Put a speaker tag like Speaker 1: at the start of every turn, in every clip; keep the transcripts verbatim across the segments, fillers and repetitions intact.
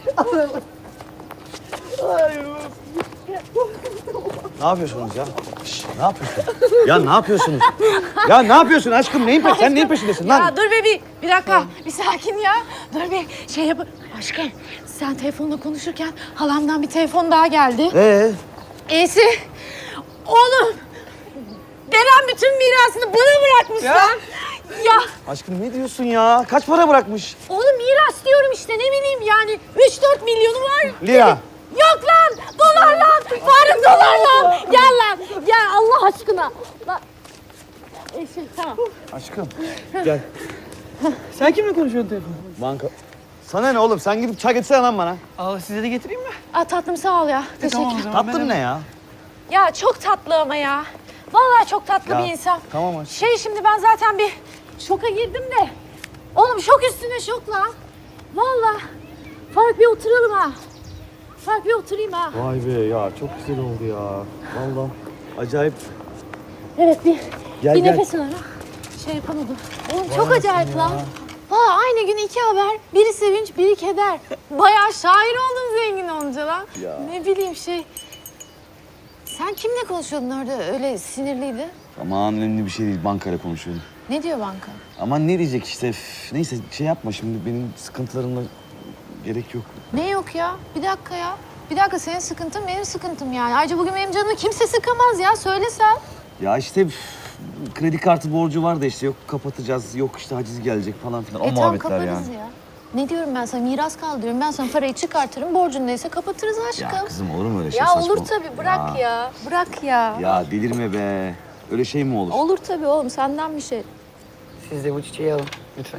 Speaker 1: Ne yapıyorsunuz ya? Şş, ne yapıyorsun? Ya ne yapıyorsunuz? Ya ne yapıyorsun aşkım? Neyin peşindesin? Sen neyin peşindesin lan?
Speaker 2: Ya dur be bir, bir dakika. Bir sakin ya. Dur bir şey yap. Aşkım sen telefonla konuşurken halamdan bir telefon daha geldi.
Speaker 1: Ee?
Speaker 2: E'si. Oğlum. Deren bütün mirasını bana bırakmış
Speaker 1: Ya.
Speaker 2: lan. Ya.
Speaker 1: Aşkım ne diyorsun ya? Kaç para bırakmış?
Speaker 2: Oğlum miras diyorum işte ne bileyim yani. Üç dört milyonu var.
Speaker 1: Lira.
Speaker 2: Yok lan. Dolar lan. Faruk dolar lan. Gel lan. Gel Allah aşkına. Lan. Eşim tamam.
Speaker 1: Aşkım gel.
Speaker 3: Sen kimle konuşuyorsun telefonda?
Speaker 1: Banka. Sana ne oğlum? Sen gidip çay getirsene lan bana.
Speaker 3: Aa, size de getireyim mi?
Speaker 2: Aa, tatlım sağ ol ya.
Speaker 3: E,
Speaker 2: Teşekkür.
Speaker 3: tamam o zaman.
Speaker 1: Tatlın
Speaker 3: ben-
Speaker 1: ne ya?
Speaker 2: Ya çok tatlı ama ya. Vallahi çok tatlı
Speaker 1: Ya,
Speaker 2: bir insan.
Speaker 1: tamam aşkım.
Speaker 2: Şey şimdi ben zaten bir şoka girdim de. Oğlum şok üstüne şok lan. Vallahi. Fark bir oturalım ha. Fark bir oturayım ha.
Speaker 1: Vay be ya çok güzel oldu ya. Vallahi acayip.
Speaker 2: Evet bir,
Speaker 1: Gel,
Speaker 2: bir
Speaker 1: gel.
Speaker 2: nefes al ha. Şey yapamadım. Oğlum çok acayip lan. Valla aynı gün iki haber. Biri sevinç, biri keder. Bayağı şair oldun zengin olunca lan.
Speaker 1: Ya.
Speaker 2: Ne bileyim şey. Sen kimle konuşuyordun orada öyle sinirliydi?
Speaker 1: Aman önemli bir şey değil. Bankayla konuşuyorum.
Speaker 2: Ne diyor banka?
Speaker 1: Aman ne diyecek işte. Üf, neyse şey yapma şimdi benim sıkıntılarımla gerek yok.
Speaker 2: Ne yok ya? Bir dakika ya. Bir dakika senin sıkıntın benim sıkıntım yani. Ayrıca bugün benim canımı kimse sıkamaz ya. Söylesen.
Speaker 1: Ya işte üf, kredi kartı borcu var da işte yok kapatacağız, yok işte haciz gelecek falan filan. O
Speaker 2: E tamam
Speaker 1: muhabbetler
Speaker 2: kaparız
Speaker 1: yani.
Speaker 2: ya. Ne diyorum ben sana? Miras kaldı diyorum. Ben sana parayı çıkartırım. Borcun neyse kapatırız aşkım.
Speaker 1: Ya kızım olur mu öyle şey
Speaker 2: Ya
Speaker 1: saçma?
Speaker 2: olur tabii. Bırak ya. Bırak ya.
Speaker 1: Ya delirme be. Öyle şey mi olur?
Speaker 2: Olur tabii oğlum. Senden bir şey.
Speaker 3: Siz de bu çiçeği alın lütfen.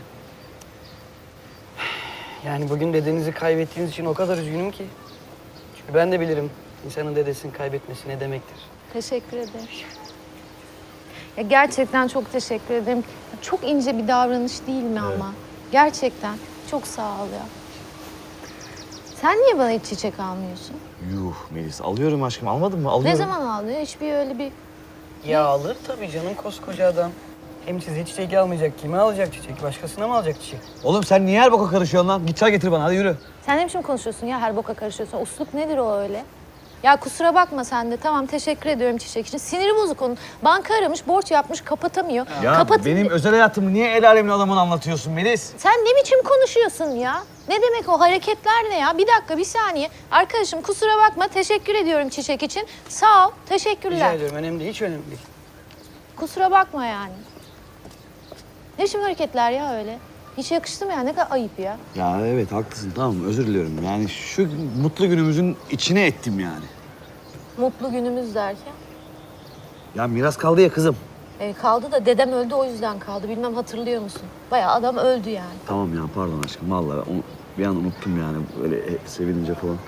Speaker 3: Yani bugün dedenizi kaybettiğiniz için o kadar üzgünüm ki. Çünkü ben de bilirim insanın dedesini kaybetmesi ne demektir.
Speaker 2: Teşekkür ederim. Ya gerçekten çok teşekkür ederim. Çok ince bir davranış değil mi ama? Gerçekten. Çok sağ ol ya. Sen niye bana hiç çiçek almıyorsun?
Speaker 1: Yuh Melis alıyorum aşkım almadın mı? Alıyorum.
Speaker 2: Ne zaman aldın? Hiçbir öyle bir...
Speaker 3: Ya alır tabii canım koskoca adam. Hem size çiçek almayacak. Kime alacak çiçek? Başkasına mı alacak çiçek?
Speaker 1: Oğlum sen niye her boka karışıyorsun lan? Git çay getir bana hadi yürü.
Speaker 2: Sen ne biçim konuşuyorsun ya? Her boka karışıyorsun. Usluk nedir o öyle? Ya kusura bakma sen de. Tamam teşekkür ediyorum çiçek için. Siniri bozuk onun. Banka aramış, borç yapmış, kapatamıyor.
Speaker 1: Ya
Speaker 2: Kapat-
Speaker 1: benim özel hayatımı niye el alemin adamına anlatıyorsun Melis?
Speaker 2: Sen ne biçim konuşuyorsun ya? Ne demek o hareketler ne ya? Bir dakika, bir saniye. Arkadaşım kusura bakma, teşekkür ediyorum çiçek için. Sağ ol, teşekkürler.
Speaker 3: Rica ediyorum. Önemli değil. Hiç önemli değil.
Speaker 2: Kusura bakma yani. Ne biçim hareketler ya öyle? Hiç yakıştı mı ya? Ne kadar ayıp ya.
Speaker 1: Ya evet haklısın tamam özür diliyorum. Yani şu mutlu günümüzün içine ettim yani.
Speaker 2: Mutlu günümüz derken.
Speaker 1: Ya miras kaldı ya kızım.
Speaker 2: E, kaldı da dedem öldü o yüzden kaldı. Bilmem hatırlıyor musun? Bayağı adam öldü yani.
Speaker 1: Tamam ya pardon aşkım vallahi onu bir an unuttum yani böyle e, sevinince falan.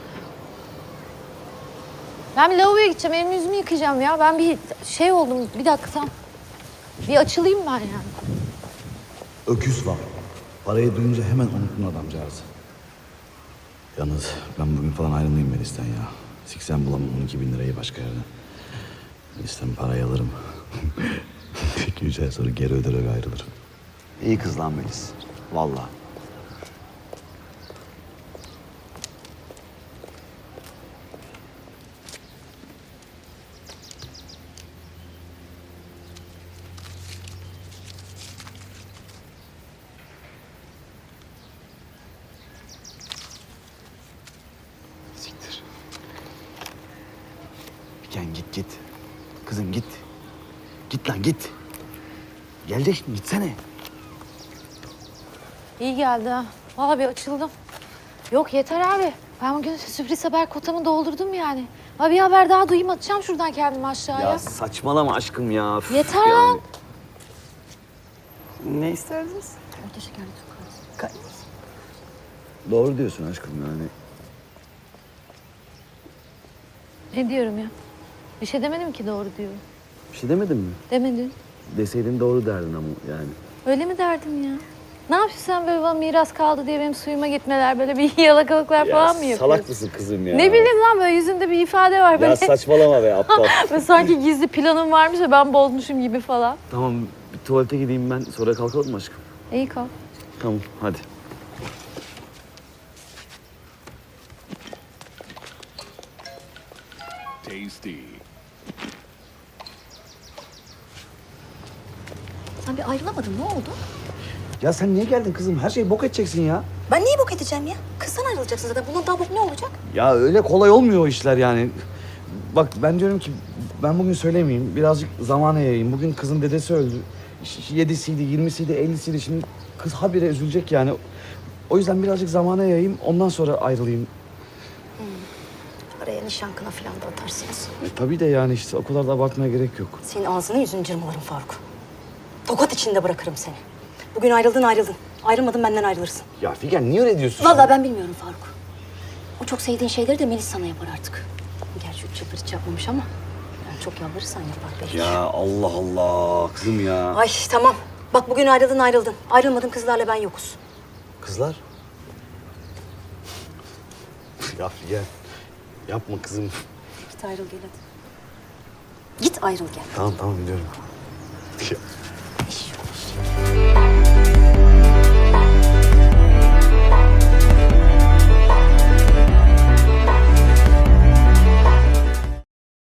Speaker 2: Ben bir lavaboya gideceğim, elimi yüzümü yıkayacağım ya. Ben bir şey oldum, bir dakika tam. Bir açılayım ben yani.
Speaker 4: Öküz var. Parayı duyunca hemen unuttun adamcağızı. Yalnız ben bugün falan ayrılayım Melis'ten ya. Siksen bulamam on iki bin lirayı başka yerden. Melis'ten parayı alırım. İki üç ay sonra geri öderek ayrılırım.
Speaker 1: İyi kız lan Melis. Vallahi. Siktir. Gel git git. Kızım git. Git lan git. Gelecek şimdi gitsene.
Speaker 2: İyi geldi ha. Vallahi bir açıldım. Yok yeter abi. Ben bugün sürpriz haber kotamı doldurdum yani. Ha bir haber daha duyayım atacağım şuradan kendimi aşağıya.
Speaker 1: Ya saçmalama aşkım ya. Üf,
Speaker 2: Yeter
Speaker 1: yani.
Speaker 2: lan.
Speaker 3: Ne isterdiniz?
Speaker 2: Orta şekerli çok az.
Speaker 1: Doğru diyorsun aşkım yani.
Speaker 2: Ne diyorum ya? Bir şey demedim ki doğru diyorum.
Speaker 1: Bir şey demedin mi?
Speaker 2: Demedin.
Speaker 1: Deseydin doğru derdin ama yani.
Speaker 2: Öyle mi derdim ya? Ne yapıyorsun sen böyle bana miras kaldı diye benim suyuma gitmeler, böyle bir yalakalıklar falan mı yapıyorsun?
Speaker 1: salak mısın kızım ya?
Speaker 2: Ne bileyim lan böyle yüzünde bir ifade var böyle.
Speaker 1: Ya saçmalama be aptal.
Speaker 2: Böyle sanki gizli planım varmış da ben bozmuşum gibi falan.
Speaker 1: Tamam bir tuvalete gideyim ben sonra kalkalım mı aşkım?
Speaker 2: İyi kal.
Speaker 1: Tamam hadi.
Speaker 5: tasty.
Speaker 6: Sen bir ayrılamadın, ne oldu?
Speaker 1: Ya sen niye geldin kızım? Her şeyi bok edeceksin ya.
Speaker 6: Ben neyi bok edeceğim ya? Kızdan ayrılacaksın zaten. Bundan daha bok ne olacak?
Speaker 1: Ya öyle kolay olmuyor o işler yani. Bak ben diyorum ki ben bugün söylemeyeyim. Birazcık zamana yayayım. Bugün kızın dedesi öldü. Ş- Yedisiydi, yirmisiydi, ellisiydi. Şimdi kız habire üzülecek yani. O yüzden birazcık zamana yayayım. Ondan sonra ayrılayım.
Speaker 6: Araya nişan kına falan da atarsınız.
Speaker 1: E, tabii de yani işte o kadar da abartmaya gerek yok.
Speaker 6: Senin ağzını yüzünü cırmalarım Faruk. Tokat içinde bırakırım seni. Bugün ayrıldın ayrıldın. Ayrılmadın benden ayrılırsın.
Speaker 1: Ya Figen niye öyle diyorsun?
Speaker 6: Vallahi ben bilmiyorum Faruk. O çok sevdiğin şeyleri de Melis sana yapar artık. Gerçi üç yıldır hiç yapmamış ama... Yani çok yalvarırsan yapar belki.
Speaker 1: Ya Allah Allah kızım ya.
Speaker 6: Ay tamam. Bak bugün ayrıldın ayrıldın. Ayrılmadın kızlarla ben yokuz.
Speaker 1: Kızlar. Ya Figen yapma kızım.
Speaker 6: Git ayrıl gel hadi. Git ayrıl gel.
Speaker 1: Tamam tamam biliyorum. Ya.